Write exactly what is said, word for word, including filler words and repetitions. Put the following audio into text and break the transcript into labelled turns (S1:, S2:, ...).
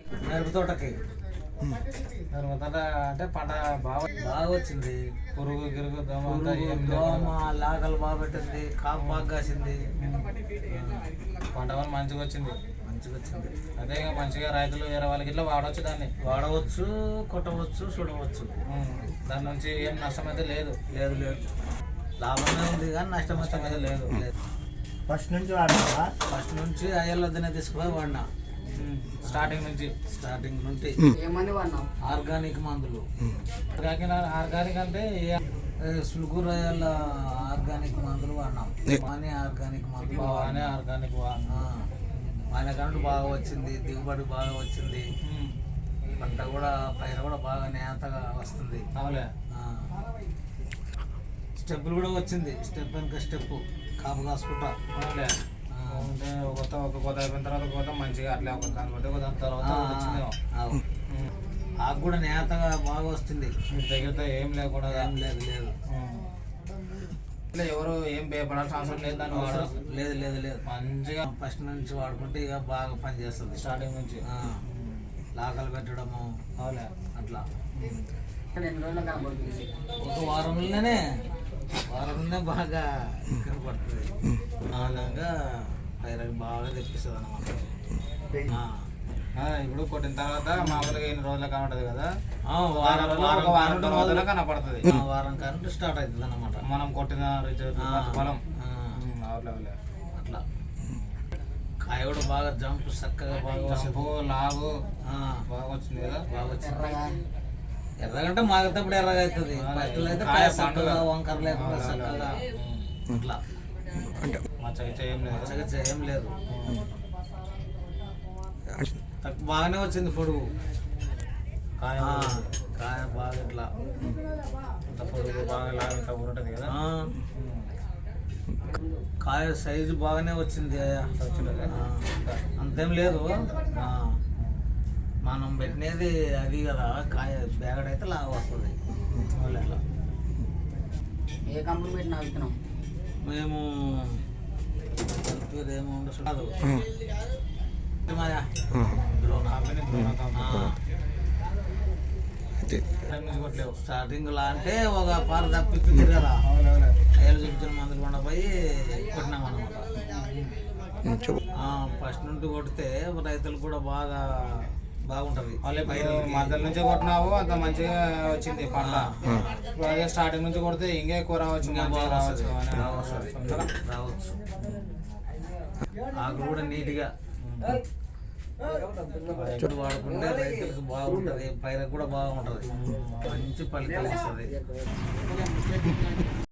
S1: మిరప తోటకి
S2: మిరప తోట అంటే పంట బాగా
S1: బాగా వచ్చింది.
S2: పురుగు గిరుగు దోమ అంతా
S1: పురుగు,
S2: ఏం
S1: దోమ
S2: లేకుండా
S1: లాగలు బాగా పెట్టింది, కాపు బాగా కాసింది,
S2: పంట వల్ల మంచిగా వచ్చింది.
S1: మంచిగా వచ్చింది.
S2: అదే ఇక మంచిగా రైతులు వేరే వాళ్ళకి ఇట్లా వాడవచ్చు, దాన్ని
S1: వాడవచ్చు, కొట్టవచ్చు, చూడవచ్చు.
S2: ఉమ్. దాని నుంచి ఏం నష్టం అయితే లేదు.
S1: లేదు లేదు లాభమే ఉంది కానీ నష్టం
S2: నష్టం అయితే లేదు.
S1: లేదు.
S3: ఫస్ట్ నుంచి వాడతావా?
S1: ఫస్ట్ నుంచి అయ్యలొద్దనే తీసుకుపోయి వాడినా.
S2: స్టార్టింగ్ నుంచి
S1: స్టార్టింగ్ నుండి
S4: ఏమంది వాడినాం
S1: ఆర్గానిక్ మందులు.
S2: ఆర్గానిక్ అంటే
S1: సులుగురాయాల ఆర్గానిక్ మందులు వాడినాం. వాణి ఆర్గానిక్ మందులు
S2: బాగానే ఆర్గానిక్
S1: ఆయన కరెంట్ బాగా వచ్చింది, దిగుబడి బాగా వచ్చింది, పంట కూడా పైన కూడా బాగా నేతగా వస్తుంది.
S2: అవులే.
S1: స్టెప్పులు కూడా వచ్చింది, స్టెప్ వెనక స్టెప్ కాపు కాసుకుంటా.
S2: అవులే. అంటే ఒక ఒక కొత్త అయిపోయిన తర్వాత కొత్త మంచిగా అట్లే ఒక దాని బట్టి ఒక దాని తర్వాత వచ్చిందేమో.
S1: ఆకు కూడా నేతగా బాగా వస్తుంది.
S2: మీరు దగ్గరతో ఏం లేకుండా
S1: ఏం లేదు లేదు
S2: ఇట్లా ఎవరు ఏం భయపడాల్సిన అవసరం లేదు. దాన్ని వాడడం
S1: లేదు లేదు లేదు
S2: మంచిగా
S1: ఫస్ట్ నుంచి వాడుకుంటే ఇక బాగా పనిచేస్తుంది.
S2: స్టార్టింగ్ నుంచి
S1: లాకలు పెట్టడము
S2: అవులే
S1: అట్లా
S4: రెండు రోజులు కనబడుతుంది.
S1: ఒక వారంలోనే వారంలోనే బాగా కనపడుతుంది. అలాగా పైరకి బాగా తెప్పిస్తుంది అన్నమాట.
S2: ఇప్పుడు కొట్టిన తర్వాత మామూలుగా ఎన్ని రోజులు కనబడుతుంది కదా,
S1: వారం
S2: ఒక వారం రోజుల్లో కనపడుతుంది.
S1: వారం కరెంట్ స్టార్ట్ అవుతుంది అన్నమాట.
S2: మనం కొట్టిన పొలం అవులే అవులే
S1: అట్లా కాయ కూడా బాగా జంప్ చక్కగా బాగా
S2: జంపు లాగు
S1: బాగా
S2: వచ్చింది కదా.
S1: బాగా వచ్చింది. ఎర్రగంటే మాగేటప్పుడు ఎర్రగా అవుతుంది. ఫస్ట్ అయితే కాయ చక్కగా వంకర లేకుండా చక్కగా అట్లా
S2: మచ్చగా ఏం లేదు.
S1: చక్కగా ఏం లేదు. బాగానే వచ్చింది పొడుగు
S2: కాయ
S1: కాయ బాగా ఇట్లా
S2: ఇంత పొడుగు బాగా లాగా ఇంత ఉంటుంది కదా.
S1: కాయ సైజు బాగానే వచ్చింది. అంతేం లేదు, మనం పెట్టినది అది కదా. కాయ బేగడైతే లాగా వస్తుంది. అట్లా
S4: ఏ కంపెనీ పెట్టినా విత్తనం
S1: మేము పేరు ఏమో ఉండదు. స్టార్టింగ్ లా అంటే ఒక పార తప్పించారు కదా, అయ్యలు చూపించిన మందులు కొండ పోయి కొట్టినాం అనమాట. ఫస్ట్ నుండి కొడితే రైతులు కూడా బాగా బాగుంటది.
S2: మధ్య నుంచి కొట్టినావు అంత మంచిగా వచ్చింది పంట. అదే స్టార్టింగ్ నుంచి కొడితే ఇంకా ఎక్కువ రావచ్చు, మంచిగా రావచ్చు
S1: రావచ్చు. ఆకులు కూడా నీట్గా వాడుకుంటే రైతులకు బాగుంటది, పైరకు కూడా బాగుంటది, మంచి ఫలితం వస్తుంది.